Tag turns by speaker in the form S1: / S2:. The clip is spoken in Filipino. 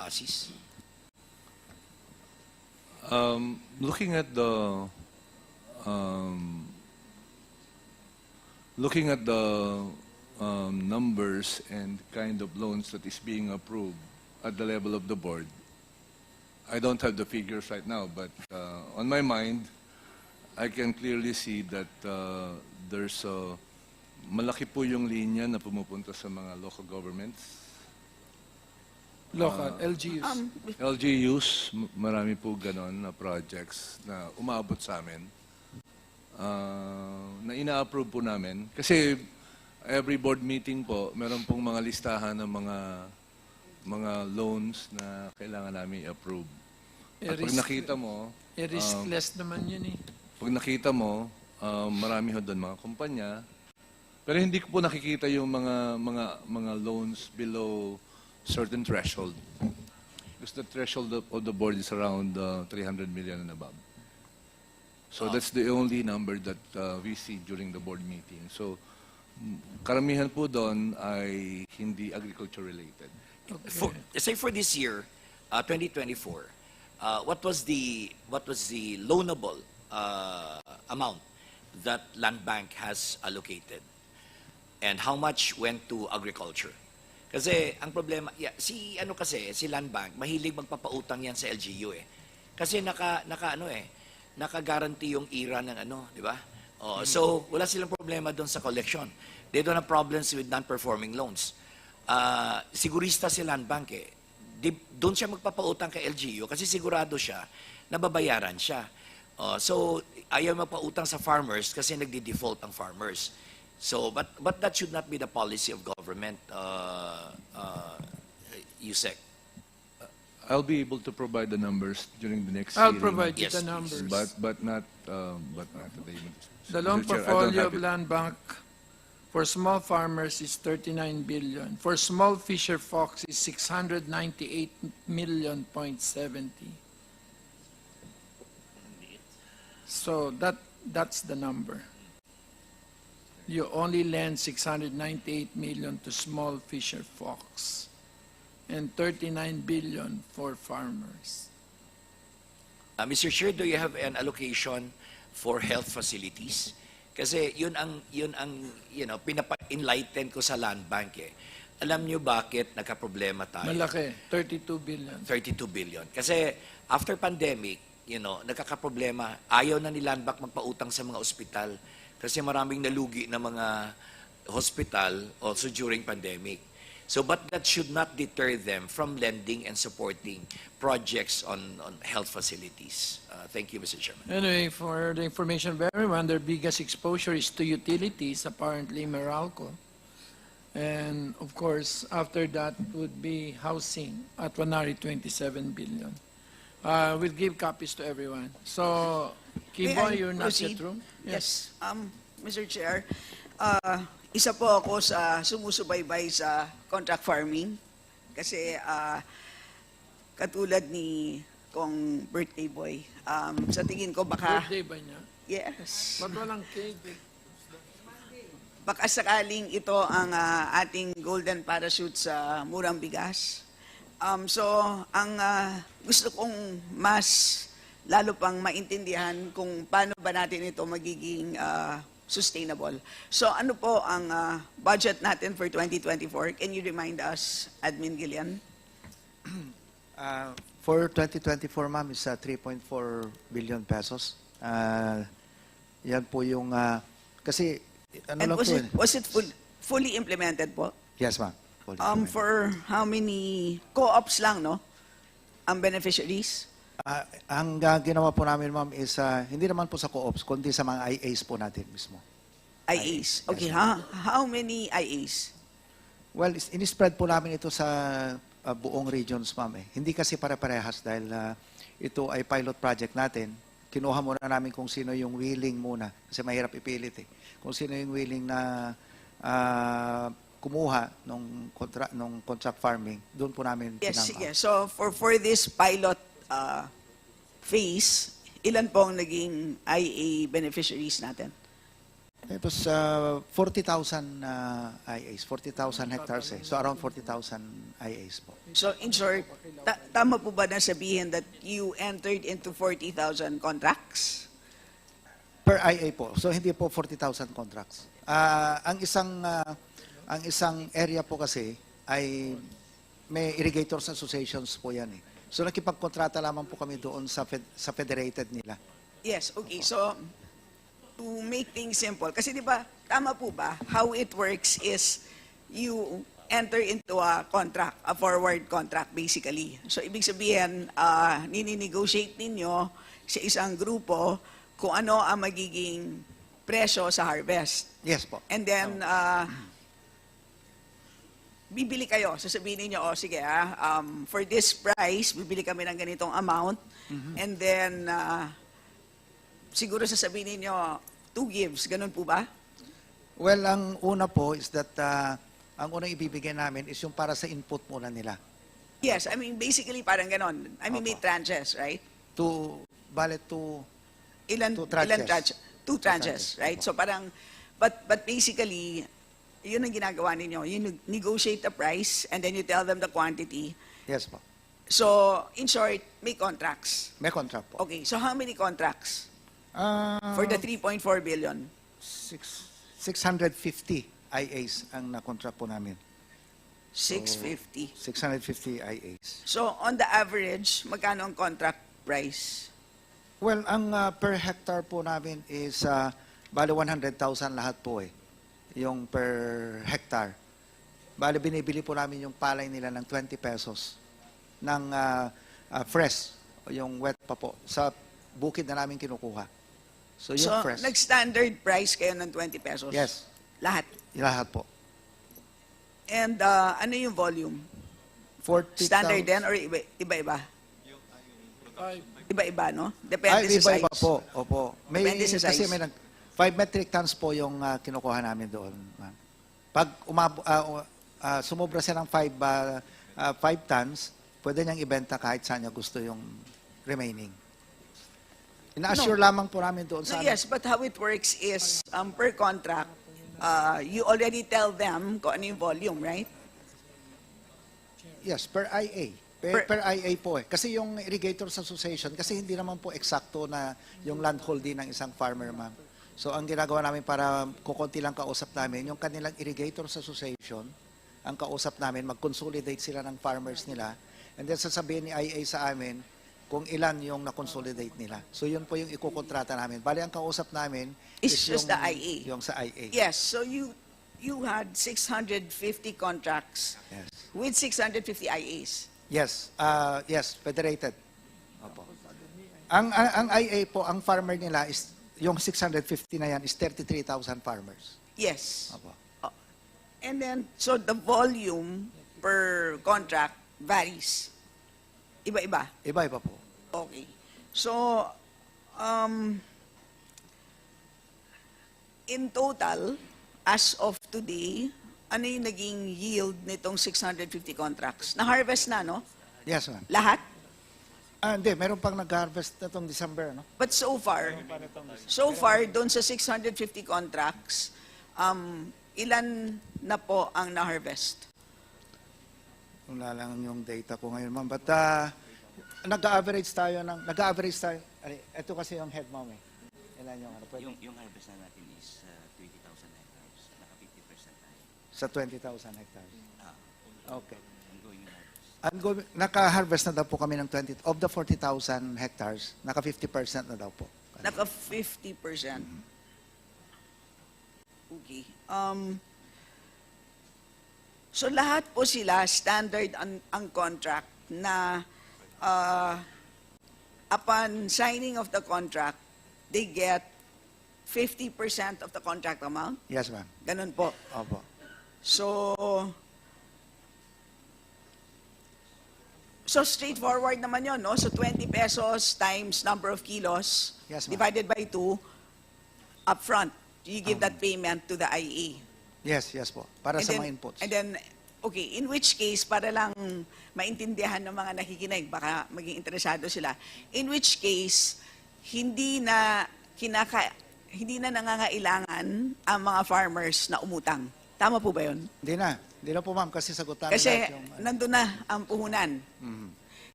S1: ASIS?
S2: Looking at the um, numbers and kind of loans that is being approved at the level of the board, I don't have the figures right now, but on my mind, I can clearly see that there's a malaki po yung linya na pumupunta sa mga local governments.
S3: Local, LGUs.
S2: LGUs, marami po ganon na projects na umaabot sa amin. Na ina-approve po namin. Kasi every board meeting po, meron pong mga listahan ng mga loans na kailangan namin i-approve. At pag nakita mo,
S3: riskless naman yun eh.
S2: pag nakita mo, marami ho doon mga kumpanya. Pero hindi ko po nakikita yung mga loans below certain threshold. Because the threshold of the board is around 300 million and above. So that's the only number that we see during the board meeting. So karamihan po doon ay hindi agriculture related.
S1: Say for this year, 2024, what was the loanable amount that Land Bank has allocated, and how much went to agriculture? Kasi ang problema, si Land Bank mahilig magpapautang yan sa LGU eh. Kasi naka-guarantee yung IRA ng di ba? So wala silang problema doon sa collection. They don't have problems with non-performing loans. Sigurista si Land Bank eh. Doon siya magpapautang kay LGU kasi sigurado siya na babayaran siya. So ayaw magpautang sa farmers kasi nagdi-default ang farmers. So but that should not be the policy of government, Yusek.
S2: I'll be able to provide the numbers during the next
S3: I'll
S2: hearing.
S3: provide you
S1: Yes,
S3: the
S1: please.
S3: numbers.
S2: But not today.
S3: The loan
S2: Mr. Chair, I don't
S3: portfolio
S2: have
S3: of
S2: it.
S3: Land Bank for small farmers is 39 billion. For small fisher folks is 698 million.70. So that's the number. You only lend 698 million to small fisher folks and 39 billion for farmers.
S1: Mr. Chair, do you have an allocation for health facilities? Kasi yun ang pinapa-enlighten ko sa Land Bank eh. Alam niyo bakit nagka-problema tayo?
S3: Malaki, 32 billion.
S1: 32 billion. Kasi after pandemic, nagkaka-problema. Ayaw na ni Land Bank magpautang sa mga ospital kasi maraming nalugi na mga hospital also during pandemic. So, but that should not deter them from lending and supporting projects on health facilities. Thank you, Mr. Chairman.
S3: Anyway, for the information of everyone, their biggest exposure is to utilities, apparently Meralco. And of course, after that would be housing at 127 billion. We'll give copies to everyone. So, Kibo, you're not yet
S4: proceed?
S3: through?
S4: Yes. Mr. Chair, isa po ako sa sumusubaybay sa contract farming kasi katulad ni Kong Birthday Boy, sa tingin ko baka,
S3: Birthday ba niya?
S4: yes,
S3: Ba't walang cake?
S4: baka sakaling ito ang ating golden parachute sa murang bigas. So, ang gusto kong mas lalo pang maintindihan kung paano ba natin ito magiging sustainable. So, ano po ang budget natin for 2024? Can you remind us, Admin Gillian?
S5: For 2024, ma'am, is 3.4 billion pesos. Yan po yung, kasi, ano
S4: And
S5: lang po yun?
S4: was it fully implemented po?
S5: Yes, ma'am. Fully implemented.
S4: For how many co-ops lang, no? Ang beneficiaries?
S5: Ang ginawa po namin, ma'am, is hindi naman po sa co-ops, kundi sa mga IAs po natin mismo.
S4: IAs. Okay,
S5: Yes,
S4: how many IAs?
S5: Well, in-spread po namin ito sa buong regions, ma'am. Hindi kasi pare-parehas dahil ito ay pilot project natin. Kinuha muna namin kung sino yung willing muna kasi mahirap ipilit eh. Kung sino yung willing na kumuha nung contract farming, doon po namin
S4: Yes,
S5: pinang-
S4: sige. So, for this pilot phase, ilan pong naging IA beneficiaries natin?
S5: It was 40,000 IAs, 40,000 hectares eh. So around 40,000 IAs po.
S4: So in short, tama po ba na sabihin that you entered into 40,000 contracts?
S5: Per IA po. So hindi po 40,000 contracts. Ang isang area po kasi ay may irrigators associations po yan eh. So nakipagkontrata lamang po kami doon sa federated nila.
S4: Yes, okay. So, to make things simple, kasi di ba, tama po ba, how it works is you enter into a contract, a forward contract basically. So, ibig sabihin, nini-negotiate ninyo sa isang grupo kung ano ang magiging presyo sa harvest.
S5: Yes po.
S4: And then, bibili kayo. Sasabihin niyo, oh, sige for this price, bibili kami ng ganitong amount. And then, siguro sasabihin niyo 2 gives. Ganun po ba?
S5: Well, ang una po is that ang unang ibibigay namin is yung para sa input muna nila.
S4: Yes, I mean, basically parang ganon. I mean, may
S5: Opo.
S4: tranches, right?
S5: Bale to
S4: Ilan
S5: Two tranches.
S4: tranches? 2 tranches,
S5: tranches,
S4: right?
S5: opo.
S4: So parang, but basically, yun ang ginagawa ninyo. You negotiate the price and then you tell them the quantity.
S5: yes po.
S4: So, in short, may contracts.
S5: May contract po.
S4: Okay, so how many contracts for
S5: For
S4: the 3.4 billion?
S5: 650 IAs ang na-contract po namin.
S4: 650.
S5: 650 IAs.
S4: So, on the average, magkano ang contract price?
S5: Well, ang per hectare po namin is bale 100,000 lahat po eh. Yung per hectare. Bale binibili po namin yung palay nila ng 20 pesos ng fresh, yung wet pa po, sa bukid na namin kinukuha. So yung
S4: So,
S5: fresh.
S4: nag-standard price kayo ng 20 pesos?
S5: Yes,
S4: Lahat.
S5: lahat po.
S4: And ano yung volume?
S5: 40,000.
S4: Standard din or iba-iba? Iba-iba, no? Depende
S5: Ay,
S4: sa
S5: iba-iba
S4: size.
S5: po. Opo. May,
S4: Depende sa
S5: kasi
S4: size.
S5: may 5 metric tons po yung kinukuha namin doon, ma'am. Pag sumobra siya ng 5 tons, pwede niyang ibenta kahit saan niya gusto yung remaining. Ina-assure lamang po namin doon
S4: No,
S5: sa
S4: yes, but how it works is per contract, you already tell them kung ano yung volume, right?
S5: Yes, per IA. Per IA po eh. Kasi yung Irrigators Association, kasi hindi naman po eksakto na yung land holding ng isang farmer, ma'am. So ang ginagawa namin para kukunti lang kausap namin, yung kanilang Irrigators Association, ang kausap namin, mag-consolidate sila ng farmers nila, and then sasabihin ni IA sa amin kung ilan yung na-consolidate nila. So yun po yung ikukontrata namin. Bali, ang kausap namin
S4: It's just
S5: yung,
S4: the IA.
S5: Yung sa IA.
S4: Yes, so you had 650 contracts
S5: Yes.
S4: with 650 IAs.
S5: Yes, yes, federated. Opo. Ang IA po, ang farmer nila is, yung 650 na yan is 33,000 farmers.
S4: Yes.
S5: Opo.
S4: And then, so the volume per contract varies. Iba-iba.
S5: Iba-iba po.
S4: Okay. So, in total, as of today, ano yung naging yield nitong 650 contracts? Na-harvest na, no?
S5: Yes, ma'am.
S4: Lahat?
S5: Hindi, meron pang nag-harvest na itong December, no?
S4: But so far, doon sa 650 contracts, ilan na po ang na-harvest?
S5: Wala lang yung data ko ngayon, ma'am. But nag-average tayo. Ito kasi yung head, ma'am eh. Ilan yung ano? Pwede?
S6: Yung harvest na natin is 20,000 hectares. Naka 50% tayo.
S5: Sa 20,000 hectares. Okay.
S6: Ongoing harvest.
S5: Naka-harvest na daw po kami ng 20, of the 40,000 hectares, naka 50% na daw po.
S4: Naka 50%. Okay. So lahat po sila standard ang contract na upon signing of the contract, they get 50% of the contract amount?
S5: Yes, ma'am.
S4: Ganun po.
S5: Opo.
S4: So straightforward naman yun, no? So 20 pesos times number of kilos
S5: Yes, ma'am.
S4: divided by 2 upfront. You give that payment to the IA.
S5: Yes, yes po. Para
S4: And
S5: sa
S4: then-
S5: mga inputs.
S4: And then, okay, in which case, para lang maintindihan ng mga nakikinig, baka maging interesado sila, in which case, hindi hindi na nangangailangan ang mga farmers na umutang. Tama po ba yun?
S5: Hindi na po ma'am kasi sagot namin
S4: Kasi
S5: lahat yung...
S4: nandun na ang puhunan.